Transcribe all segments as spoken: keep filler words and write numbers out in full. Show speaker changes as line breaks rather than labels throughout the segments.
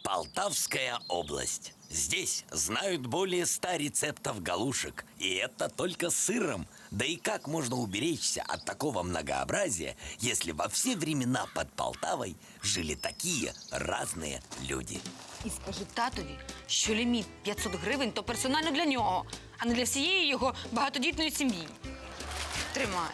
Полтавская область. Здесь знают более ста рецептов галушек. И это только с сыром. Да и как можно уберечься от такого многообразия, если во все времена под Полтавой жили такие разные люди?
І скажи татові, що ліміт п'ятсот гривень – то персонально для нього, а не для всієї його багатодітної сім'ї. Тримай.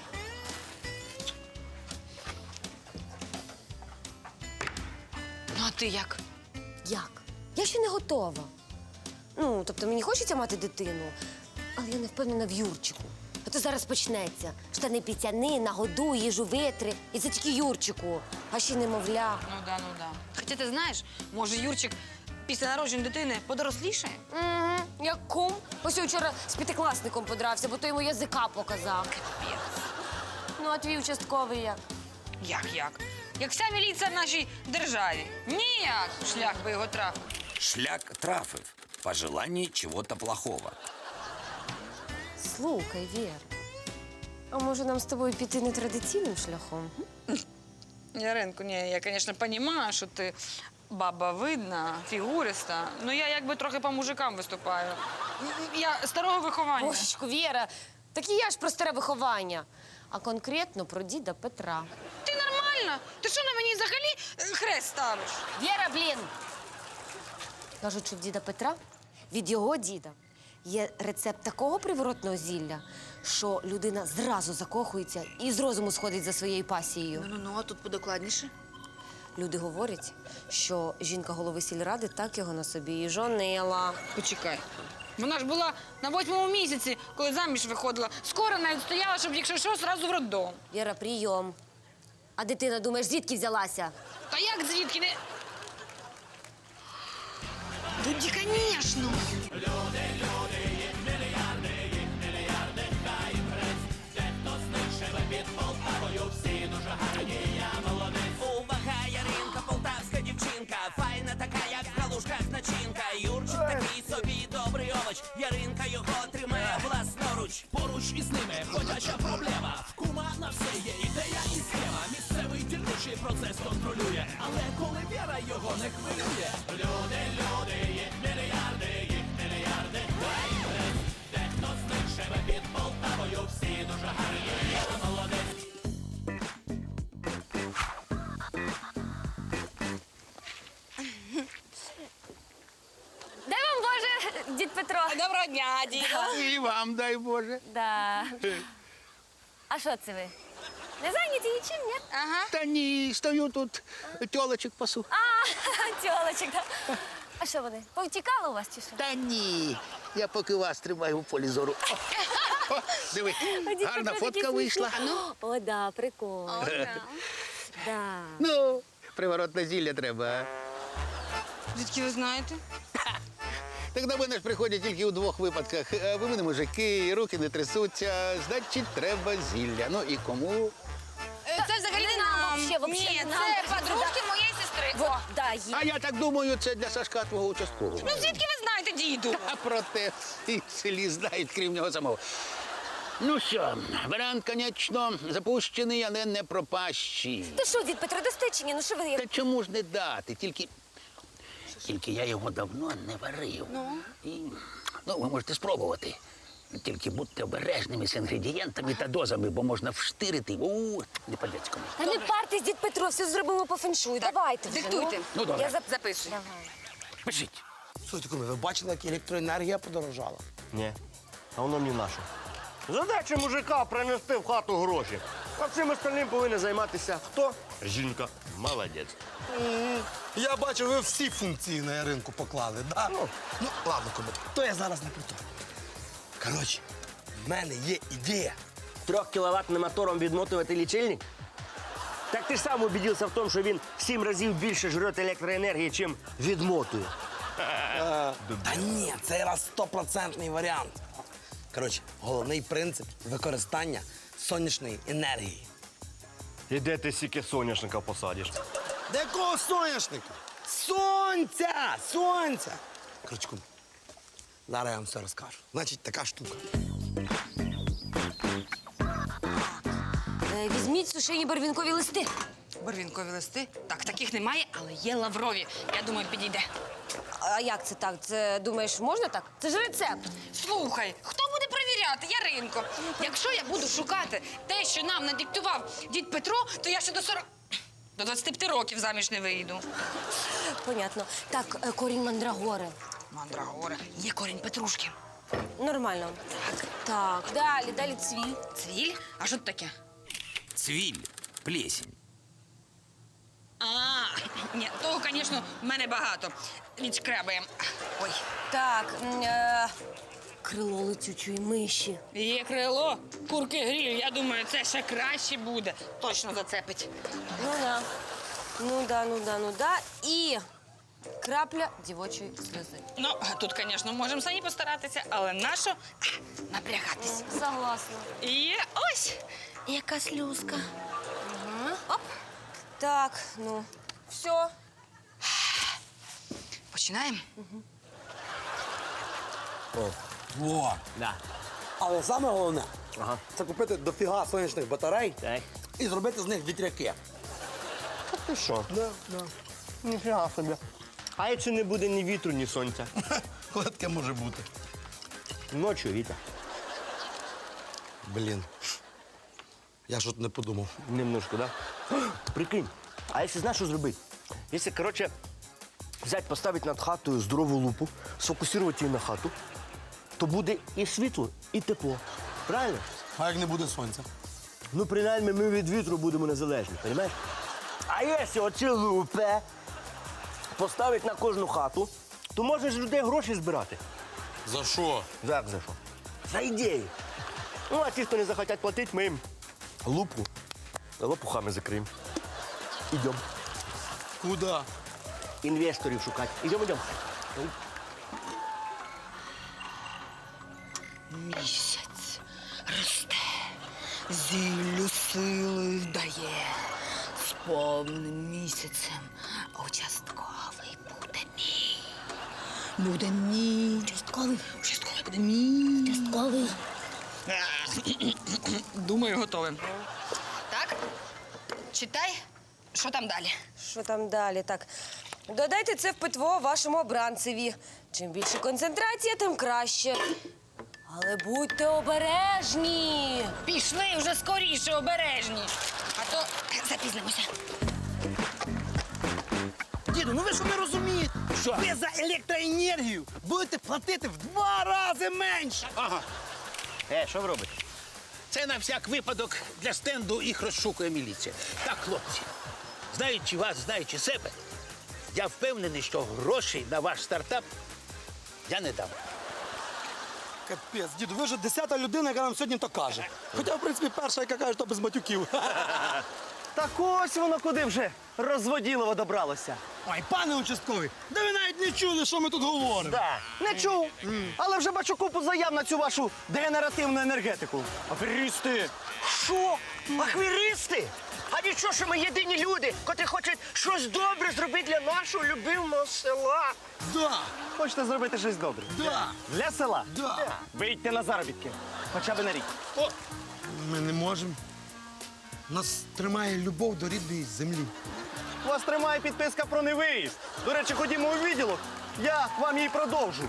Ну, а ти як?
Як? Я ще не готова. Ну, тобто мені хочеться мати дитину, але я не впевнена в Юрчику. А то зараз почнеться. Штани піцяни, нагодуй, їжу витри. І це тільки Юрчику, а ще немовля.
Ну да, ну да. Хоча ти знаєш, може Юрчик після народження дитини подорослішає?
Угу, як кум. Ось я вчора з п'ятикласником подрався, бо той йому язика показав. Ну, а твій участковий як?
Як, як? Як вся міліція в нашій державі. Ніяк шлях би його трафив.
Шлях трафив. По желанию чего-то плохого.
Слухай, Вір, а може нам з тобою піти нетрадиційним шляхом?
Яринку, ні, я, звісно, розумію, що ти баба видна, фігуриста, але я якби трохи по мужикам виступаю. Я старого виховання.
Божечко, Віра, так і я ж про старе виховання, а конкретно про діда Петра.
Ти нормальна? Ти що на мені взагалі е, хрест ставиш?
Віра, блін! Кажуть, що в діда Петра від його діда є рецепт такого приворотного зілля, що людина зразу закохується і з розуму сходить за своєю пасією.
Ну-ну, а тут подокладніше.
Люди говорять, що жінка голови сільради так його на собі і жонила.
Почекай. Вона ж була на восьмому місяці, коли заміж виходила. Скоро навіть стояла, щоб, якщо що, зразу в роддом.
Віра, прийом. А дитина, думаєш, звідки взялася?
Та як звідки не... Тоді, звісно.
Увага, Яринка, полтавська дівчинка, файна така, як в калушках начинка. Юрчик такий собі добрий овоч, Яринка його тримає власноруч. Поруч із ними ходяча проблема. В кума на все є ідея і схема. Місцевий дільничий процес контролює, але коли Віра його не хвилює. Люди, люди, їх мільярди, їх мільярди. Дехто з них живе під Полтавою, всі дуже гарні, я молодець.
Дай вам Боже, дід Петро.
Доброго дня, діда.
І вам, дай Боже.
Да. А що це ви? Не зайняті нічим, ні?
Ага.
Та ні, стою тут, тьолочок пасу.
А, тьолочок, да. А що вони, повтікали у вас чи що?
Та ні, я поки вас тримаю в полі зору. О, о, диви,
Дід
гарна
Петро такий
фотка вийшла.
смішний. О, да, прикол. Да.
Ну, приворотне зілля треба. а?
Звідки ви знаєте?
Так до мене ж приходять тільки у двох випадках. А ви мене мужики, руки не трясуться, значить, треба зілля. Ну і кому?
Це взагалі
не нам, вообще, вообще
Ні,
не нам.
це подружки моєї сестри.
Вот,
О.
да, є.
А я так думаю, це для Сашка твого участкового.
Ну звідки ви знаєте, діду?
А проте всі в селі знають, крім нього самого. Ну що, варіант, звісно, запущений, але не пропащий.
Ти що, дід Петро, достичення? Ну що ви?
Та чому ж не дати? Тільки, тільки я його давно не варив. Ну? І, ну, ви можете спробувати. Тільки будьте обережними з інгредієнтами та дозами, бо можна вштирити. У, не по-людському.
Та не партись, дід Петро, все зробимо по феншую. Давайте вже.
диктуйте.
Ну,
Ну, добре.
Я зап...
Записуй.
Давай.
Пишіть.
Слухайте, куме, ви бачили, як електроенергія подорожала?
Ні, а воно мені наше. Задача мужика принести в хату гроші. А всім остальним повинен займатися хто? Жінка. Молодець.
Я бачу, ви всі функції на ринку поклали, да? Ну, ну ладно, куме, то я зараз не про то. Коротше, в мене є ідея.
Трьохкіловатним мотором відмотувати лічильник? Так ти ж сам убедився в тому, що він в сім разів більше жре електроенергії, чим відмотує.
Та ні, це раз стопроцентний варіант. Коротше, головний принцип використання сонячної енергії.
І де ти стільки соняшника посадиш?
Де якого соняшника? Сонця! Сонця! Коротше, куме, зараз я вам все розкажу. Значить, така штука.
Е, візьміть сушені барвінкові листи.
Барвінкові листи? Так, таких немає, але є лаврові. Я думаю, підійде.
А як це так? Це, думаєш, можна так? Це ж рецепт.
Слухай, хто буде перевіряти? Яринко. Якщо я буду шукати те, що нам надиктував дід Петро, то я ще до сорок... До двадцяти п'яти років заміж не вийду.
Понятно. Так, е, корінь мандрагори.
Мандрагора. Є корінь петрушки.
Нормально. Так. Так, далі, далі цвіль.
Цвіль? А що це таке?
Цвиль, плесень.
А, ні, того, звісно, в мене багато. Відшкрябаємо. Ой,
Так, м, е, крило летючої миші.
є крило, курки гріль. Я думаю, це ще краще буде. Точно зацепить.
Ну да. Ну да, ну да, ну да. І крапля дівочої сльози.
Ну, тут, звісно, можемо самі постаратися, але нащо а, напрягатись?
Согласна.
І ось яка слюзка.
Оп. Так, ну, все.
Починаємо?
Во.
Да.
Але саме головне
Ага.
це купити дофіга сонячних батарей
Так.
і зробити з них вітряки.
А ти що?
Да, да.
Ніфіга собі. А якщо не буде ні вітру, ні сонця?
Коли таке може бути?
Ночі вітер.
Блін. Я ж от не подумав.
Немножко, да? Прикинь, а якщо знаєш, що зробити? Якщо, коротше, взяти, поставити над хатою здорову лупу, сфокусувати її на хату, то буде і світло, і тепло. Правильно?
А як не буде сонця?
Ну, принаймні, ми від вітру будемо незалежні, розумієш? А якщо оці лупи поставити на кожну хату, то можеш з людей гроші збирати.
За що?
Як за що? За ідею. Ну, а ті, хто не захотять платити, ми їм лупу лопухами закриємо. Ідемо.
Куди?
Інвесторів шукати. Ідемо, ідемо.
Місяць росте, зіллю сили дає. З повним місяцем участковий буде мій. Буде мій. Участковий. Участковий буде мій. Участковий. Думаю, готовим. Так, читай, що там далі.
Що там далі? Так. Додайте це в питво вашому обранцеві. Чим більше концентрація, тим краще. Але будьте обережні.
Пішли вже скоріше, обережні. А то запізнимося.
Діду, ну ви що не розумієте? Що? Ви за електроенергію будете платити в два рази менше.
Ага.
Е, що ви робите?
Це на всяк випадок для стенду їх розшукує міліція. Так, хлопці, знаючи вас, знаючи себе, я впевнений, що грошей на ваш стартап я не дам.
Капець, діду, ви вже десята людина, яка нам сьогодні то каже. Хоча, в принципі, перша, яка каже, то без матюків.
Так ось воно куди вже розводілово добралося.
Ой, пане участковий, да ви навіть не чули, що ми тут говоримо.
Да. Не чув, але вже бачу купу заяв на цю вашу дегенеративну енергетику. Аферісти! Що? Ахвіристи? А нічого, що ми єдині люди, котрі хочуть щось добре зробити для нашого любимого села.
Да,
Хочете зробити щось добре?
да,
Для села?
да.
Вийдьте на заробітки. Хоча б на рік.
Ми не можемо. Нас тримає любов до рідної землі.
Вас тримає підписка про невиїзд. До речі, ходімо у відділок. Я вам її продовжу.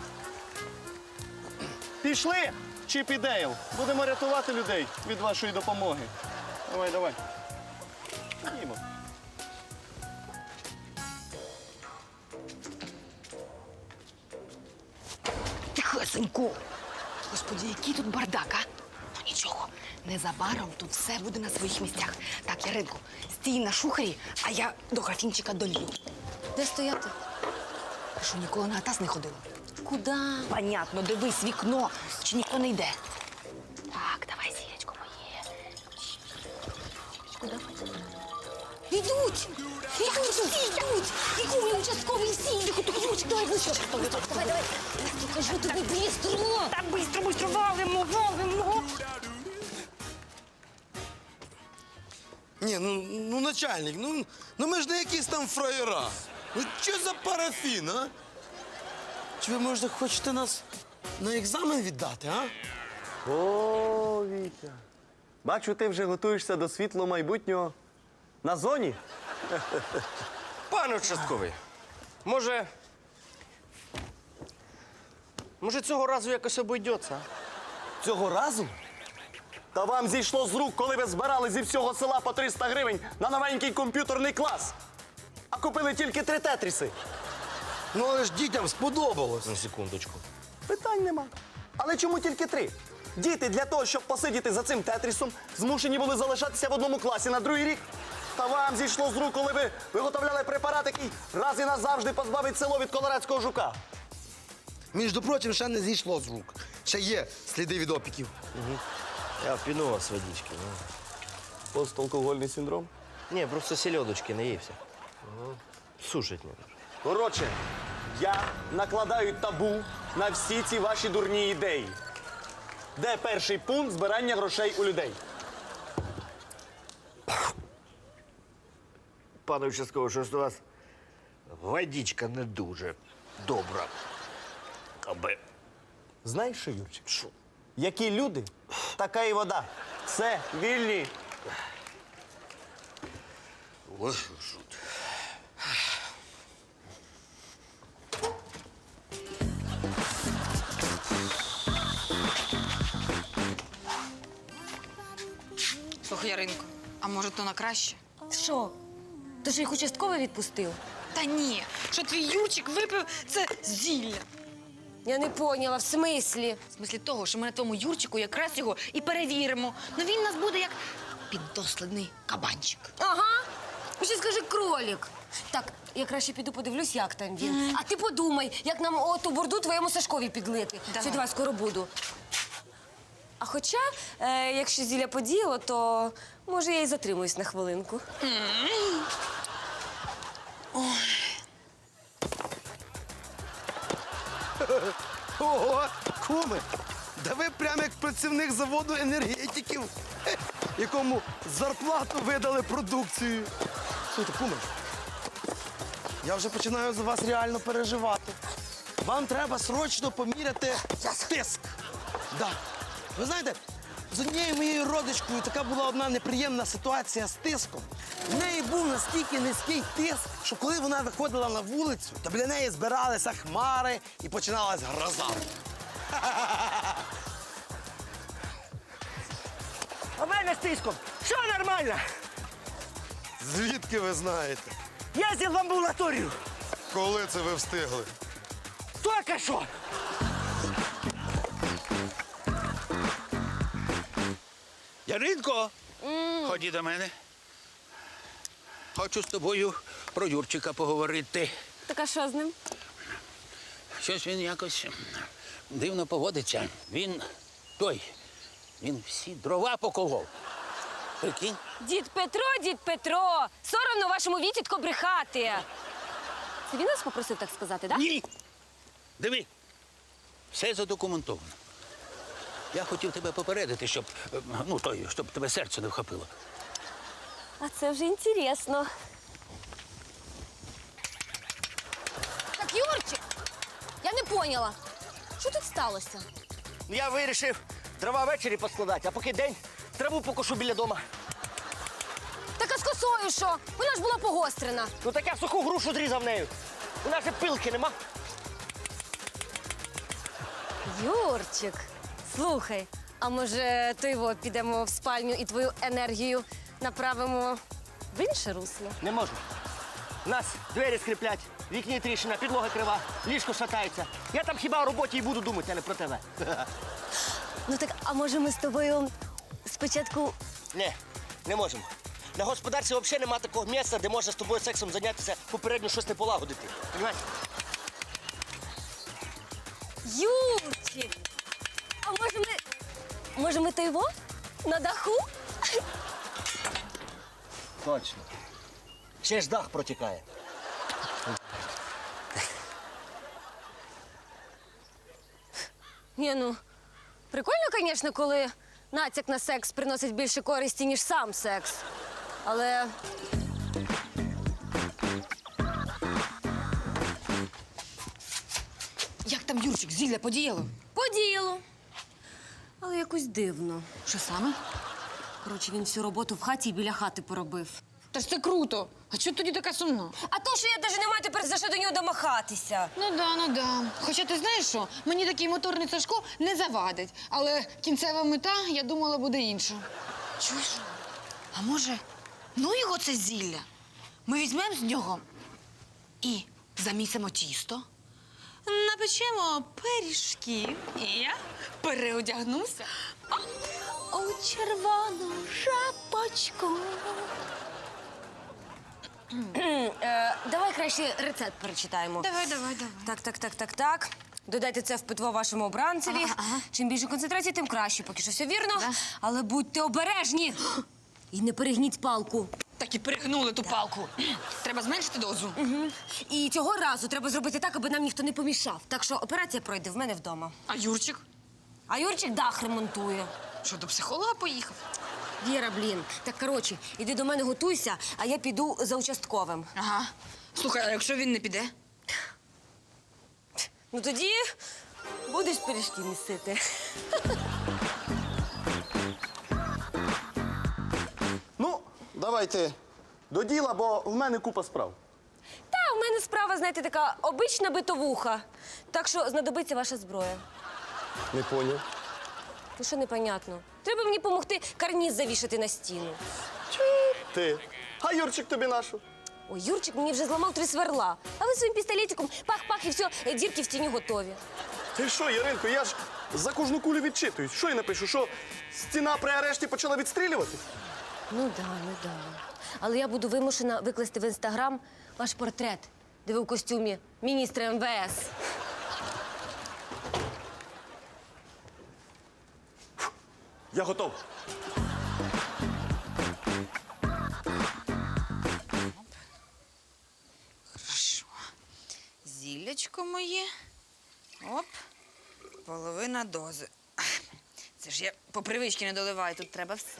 Пішли, Чіп і Дейл. Будемо рятувати людей від вашої допомоги. Давай, давай. Ходімо.
Тихесенько. Господи, який тут бардак, а? Ну нічого, незабаром тут все буде на своїх місцях. Так, Яринко, стій на шухері, а я до графінчика долью.
Де стояти?
Ти що, ніколи на атас не ходила?
Куди?
Понятно, дивись вікно, чи ніхто не йде. Так, давай, зірочко моє.
Йдуть! Йдуть, всі йдуть! І кумі участкові всі йдуть! Йдуть, давай, ближче! Давай, давай! Я кажу тобі, бістро!
Так, бистро, бистро, валимо, валимо.
Ні, ну, ну начальник, ну, ну ми ж не якісь там фраєра. Ну що за парафін, а? Чи ви, може, хочете нас на екзамен віддати, а?
О, Вітя. Бачу, ти вже готуєшся до світлого майбутнього на зоні. Пане участковий, може. Може, цього разу якось обійдеться?
Цього разу? Та вам зійшло з рук, коли ви збирали зі всього села по триста гривень на новенький комп'ютерний клас. А купили тільки три тетріси.
Ну, але ж дітям сподобалось.
На секундочку.
Питань нема. Але чому тільки три? Діти для того, щоб посидіти за цим тетрісом, змушені були залишатися в одному класі на другий рік. Та вам зійшло з рук, коли ви виготовляли препарат, який раз і назавжди позбавить село від колорадського жука.
Між прочим, ще не зійшло з рук. Ще є сліди від опіків.
Я впіну вас водички. Ну.
Посталкогольний синдром?
Ні, просто сільодочки наївся. Сушить не дуже.
Коротше, я накладаю табу на всі ці ваші дурні ідеї. Де перший пункт збирання грошей у людей?
Пане участковий, щось у вас водичка не дуже добра. Аби.
Знаєш що, Юрчик? Що? Які люди, така і вода. Все, вільні.
Ось що.
Слухай, Яринко, а може то на краще?
Що? То що їх участковий відпустив?
Та ні, що твій Юрчик випив це зілля.
Я не поняла, в смислі?
В смислі того, що ми на тому Юрчику якраз його і перевіримо. Ну він у нас буде як піддослідний кабанчик.
Ага. Ну, ще скажи кролік. Так, я краще піду подивлюсь, як там він. А ти подумай, як нам оту бурду твоєму Сашкові підлити.
Давай.
Все, давай, скоро буду. А хоча, е, якщо зілля подіяло, то може я і затримуюсь на хвилинку.
Ого, куми! Да ви прямо як працівник заводу енергетиків, хе, якому зарплату видали продукцію. Слухайте, куми, я вже починаю за вас реально переживати. Вам треба срочно поміряти тиск. Да. Ви знаєте, з однією моєю родичкою така була одна неприємна ситуація з тиском. В неї був настільки низький тиск, що коли вона виходила на вулицю, то біля неї збиралися хмари і починалась гроза.
А в мене з тиском. Все нормально.
Звідки ви знаєте?
Їздив в амбулаторію.
Коли це ви встигли?
Тільки що.
Яринко, ході до мене. Хочу з тобою про Юрчика поговорити.
Так а що з ним?
Щось він якось дивно поводиться. Він той, він всі дрова поколов. Прикинь?
Дід Петро, дід Петро! Соромно вашому вітітко брехати. Це він нас попросив так сказати, так?
Ні. Диви, все задокументовано. Я хотів тебе попередити, щоб, е, ну, той, щоб тебе серце не вхопило.
А це вже інтересно. Так, Юрчик, я не поняла. Що тут сталося?
Я вирішив дрова ввечері поскладати, а поки день траву покошу біля дома.
Так а з косою що? Вона ж була погострена.
Ну так я суху грушу зрізав нею. У нас же пилки нема.
Юрчик, слухай, а може то його підемо в спальню і твою енергію направимо в інше русло?
Не можу. У нас двері скріплять, вікні тріщина, підлога крива, ліжко шатається. Я там хіба о роботі і буду думати, а не про тебе.
Ну так, а може ми з тобою спочатку.
Ні, не можемо. На господарстві взагалі немає такого місця, де можна з тобою сексом зайнятися, попередньо щось не полагодити. Понимаєш?
Юрчик! А може ми. Може ми то його? На даху?
Точно. Ще ж дах протікає.
Ні, ну, прикольно, звісно, коли натяк на секс приносить більше користі, ніж сам секс. Але.
Як там Юрчик, зілля подіяло?
Подіяло. Але якось дивно.
Що саме?
Коротше, він всю роботу в хаті і біля хати поробив.
Та ж це круто. А чого тоді така сумна?
А то, що я навіть не маю тепер за що до нього домахатися.
Ну да, ну да. Хоча ти знаєш що, мені такий моторний Сашко не завадить. Але кінцева мета, я думала, буде інша. Чуєш? А може, ну його це зілля? Ми візьмемо з нього і замісимо тісто, напечемо пиріжків, і я переодягнуся у червону шапочку.
Е, давай краще рецепт перечитаємо.
Давай, давай, давай.
Так, так, так, так, так. Додайте це в питво вашому обранцеві.
Ага, ага.
Чим більше концентрації, тим краще. Поки що все вірно.
Да.
Але будьте обережні. І не перегніть палку.
Так і перегнули ту палку. Треба зменшити дозу.
Угу. І цього разу треба зробити так, аби нам ніхто не помішав. Так що операція пройде в мене вдома.
А Юрчик?
А Юрчик дах ремонтує.
Що, до психолога поїхав?
Віра, блін. Так, коротше, іди до мене готуйся, а я піду за участковим.
Ага. Слухай, а якщо він не піде?
Ну тоді будеш пиріжки місити.
Ну, давайте до діла, бо в мене купа справ.
Та, в мене справа, знаєте, така обична битовуха. Так що знадобиться ваша зброя.
Не поняв.
Ну що непонятно? Треба мені допомогти карніз завішати на стіну.
Ти. А Юрчик тобі нашу.
Ой, Юрчик мені вже зламав три сверла. А ви своїм пістолетиком пах-пах і все, дірки в стіні готові.
Ти що, Яринко, я ж за кожну кулю відчитуюсь. Що я напишу? Що стіна при арешті почала відстрілювати?
Ну да, ну да. Але я буду вимушена викласти в інстаграм ваш портрет, де ви в костюмі міністра ем ве ес.
Я готов.
Хорошо. Зіллячко моє. Оп. Половина дози. Це ж я по привичці не доливаю, тут треба все.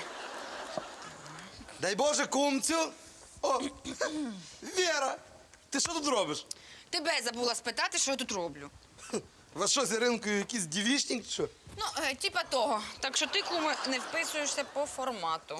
Дай Боже, кумцю. О, Віра, ти що тут робиш?
Тебе забула спитати, що я тут роблю.
У вас що, з Іринкою якийсь дівічник, чи що?
Ну, е, типа того. Так що ти, куме, не вписуєшся по формату.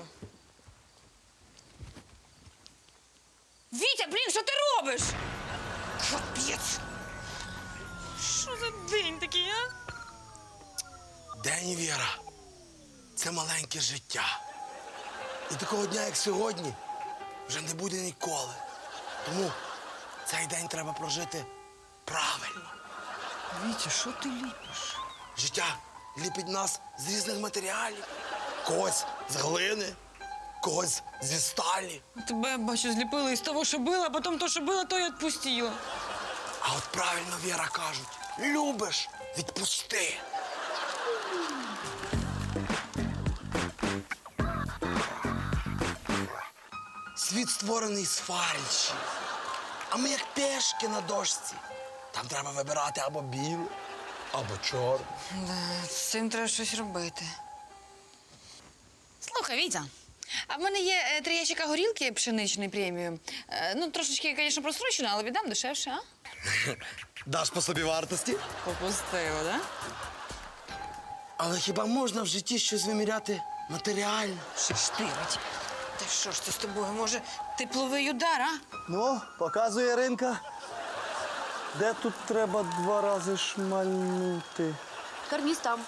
Вітя, блін, що ти робиш? Капець. Що за день такий, а?
День, Віра, це маленьке життя. І такого дня, як сьогодні, вже не буде ніколи. Тому цей день треба прожити правильно.
Вітя, що ти ліпиш?
Життя ліпить нас з різних матеріалів. Когось з глини, когось зі сталі.
Тебе, бачу, зліпили із того, що було, а потім то, що було, то й відпустило.
А от правильно, Віра, кажуть, любиш – відпусти. Світ створений з фальші, а ми як пешки на дошці. Там треба вибирати або біле, або чорне.
Да, з цим треба щось робити. Слухай, Вітя, а в мене є е, три ящика горілки пшеничної преміум. Е, ну, трошечки, звісно, просрочено, але віддам дешевше, а?
Даш по собі вартості?
Попустило, да?
Але хіба можна в житті щось виміряти матеріально?
Шештирить. Та що ж це з тобою? Може, тепловий удар, а?
Ну, показує Яринка. Де тут треба два рази шмальнути?
Карніз там.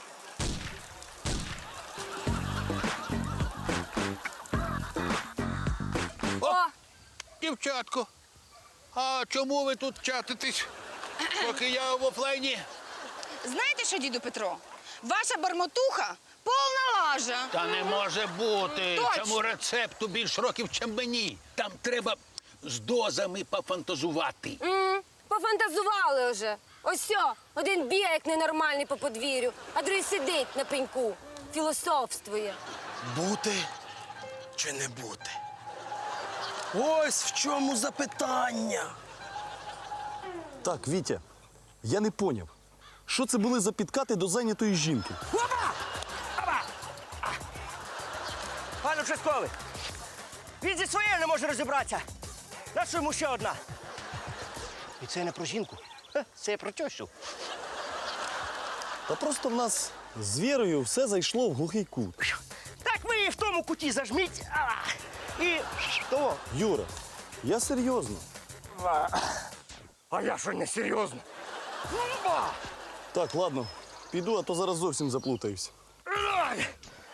Дівчатко, а чому ви тут чатитесь, поки я в офлайні?
Знаєте що, діду Петро? Ваша бармотуха повна лажа.
Та не може бути.
Точно.
Цьому рецепту більш років, чим мені. Там треба з дозами пофантазувати.
М, Пофантазували вже. Ось сьо, один бігає, як ненормальний по подвір'ю, а другий сидить на пеньку, філософствує.
Бути чи не бути? Ось в чому запитання.
Так, Вітя, я не поняв. Що це були за підкати до зайнятої жінки?
Пане участковий, він зі своєю не може розібратися. На що йому ще одна? І це не про жінку, Хе, це про тещу.
Та просто в нас з Вірою все зайшло в глухий кут.
Так ви її в тому куті зажміть. А! і того.
Юра, я серйозно.
А я що не серйозно? Ба!
Так, ладно, піду, а то зараз зовсім заплутаюсь.
Ай!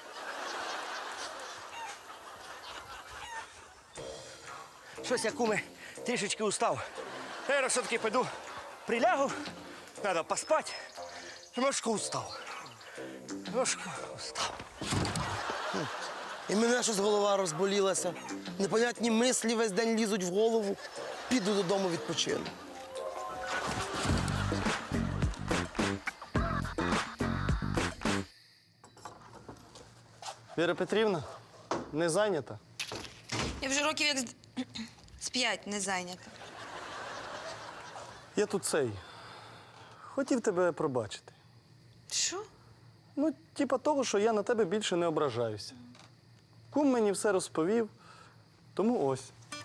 Щось я, куме, трішечки устав. Я все-таки піду, прилягу, треба поспати. Немножко устав. Немножко устав.
І мене щось голова розболілася. Непонятні мислі весь день лізуть в голову. Піду додому відпочину.
Віра Петрівна, не зайнята?
Я вже років як з, з п'ять не зайнята.
Я тут цей. Хотів тебе пробачити.
Що?
Ну, типа того, що я на тебе більше не ображаюся. Кум мені все розповів, тому ось.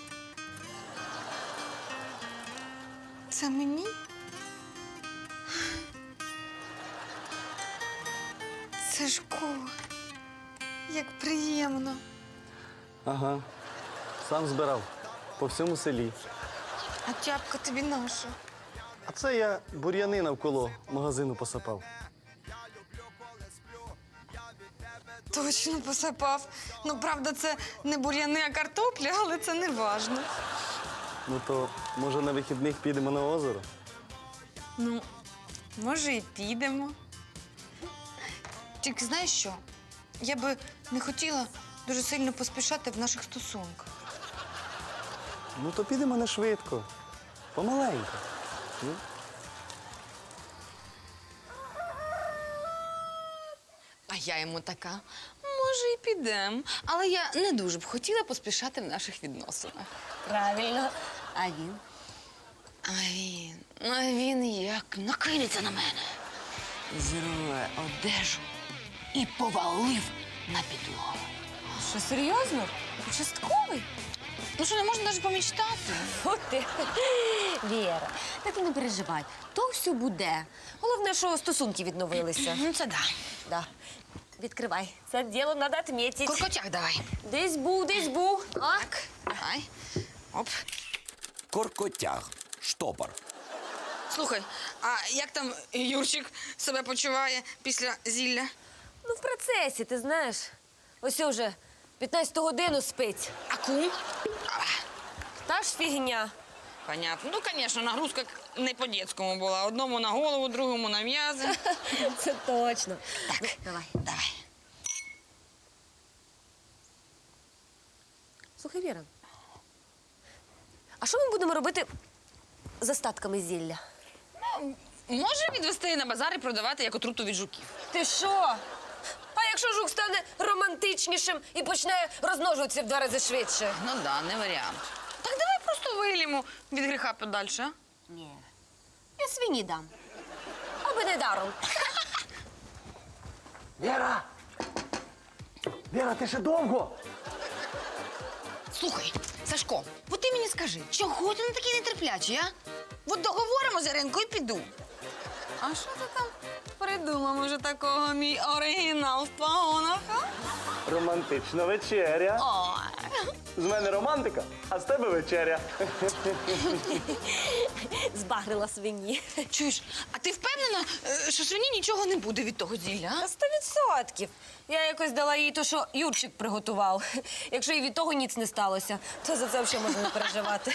Це мені? Сашко, як приємно.
Ага. Сам збирав. По всьому селі.
А тяпка тобі наша.
А це я бур'яни навколо магазину посапав.
Точно посапав. Ну, правда, це не бур'яни, а картопля, але це не важно.
Ну то, може, на вихідних підемо на озеро?
Ну, може, і підемо. Тільки знаєш що? Я би не хотіла дуже сильно поспішати в наших стосунках.
Ну то підемо не швидко. Помаленьку. Ну?
А я йому така, може, і підемо. Але я не дуже б хотіла поспішати в наших відносинах.
Правильно. А він?
А він, ну а він як накинеться на мене. Зірве одежу і повалив на підлогу.
Що, серйозно? Участковий?
Ну що, не можна навіть помічтати?
От ти. Віра, та ти не переживай. То все буде. Головне, що стосунки відновилися.
Ну, це да.
Да. Відкривай. Це діло треба відмітити.
Куркотяк давай.
Десь був, десь був. А?
Так, давай. Оп.
Коркотяг. Штопор.
Слухай, а як там Юрчик себе почуває після зілля?
Ну, в процесі, ти знаєш. Ось вже п'ятнадцяту годину спить.
А кум?
Та ж фігня.
Понятно. Ну, звісно, нагрузка не по-дєцькому була. Одному на голову, другому на м'язи.
Це точно.
Так,
Ну, давай.
давай.
Слухай, Віра. А що ми будемо робити з остатками зілля?
Може відвести на базар і продавати як отруту від жуків.
Ти що? А якщо жук стане романтичнішим і почне розмножуватися в два рази швидше?
Ну да, не варіант. Так давай просто вилімо від гріха подальше, а?
Ні. Я свині дам. Аби не даром.
Віра! Віра, ти ще довго?
Слухай, Сашко, от ти мені скажи, чого ти не такий нетерплячий, а? От договоримо з Іринкою і піду. А що ти там придумав уже такого, мій оригінал в погонах, а?
Романтична вечеря.
Ой.
З мене романтика, а з тебе вечеря.
Збагрила свині.
Чуєш, а ти впевнена, е, що свині нічого не буде від того зілля, а?
Та сто відсотків. Я якось дала їй то, що Юрчик приготував. Якщо і від того ніц не сталося, то за це взагалі можна не переживати.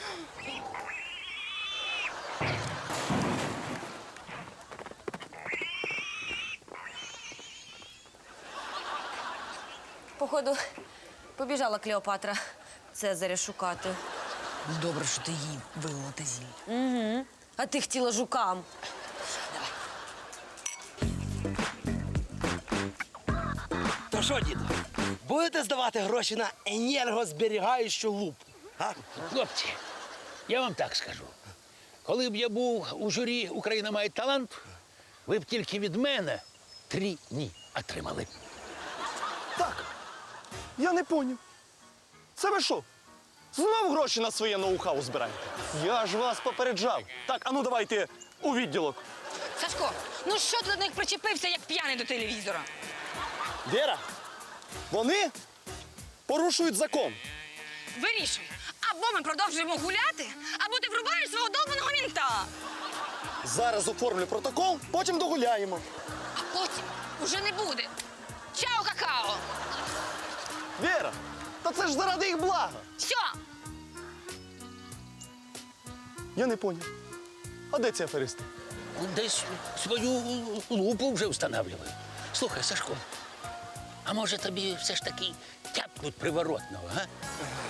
Походу, побіжала Клеопатра Цезаря шукати.
Добре, що ти їй вилила те зілля.
Угу. А ти хотіла жукам.
То що, діду, будете здавати гроші на енергозберігаючу лупу? А?
Хлопці, я вам так скажу. Коли б я був у журі «Україна має талант», ви б тільки від мене три «ні» отримали.
Так. Я не поняв. Це ви що? Знов гроші на своє ноу-хау збираєте? Я ж вас попереджав. Так, а ну давайте у відділок.
Сашко, ну що ти до них причепився, як п'яний до телевізора?
Віра, вони порушують закон.
Вирішуй. Або ми продовжуємо гуляти, або ти врубаєш свого довбаного мінта.
Зараз оформлю протокол, потім догуляємо.
А потім уже не буде. Чао, какао.
Віра, та це ж заради їх блага.
Все.
Я не поняв. А де ці аферисти?
Десь свою лупу вже встановлюють. Слухай, Сашко, а може тобі все ж таки тяпнуть приворотного, а?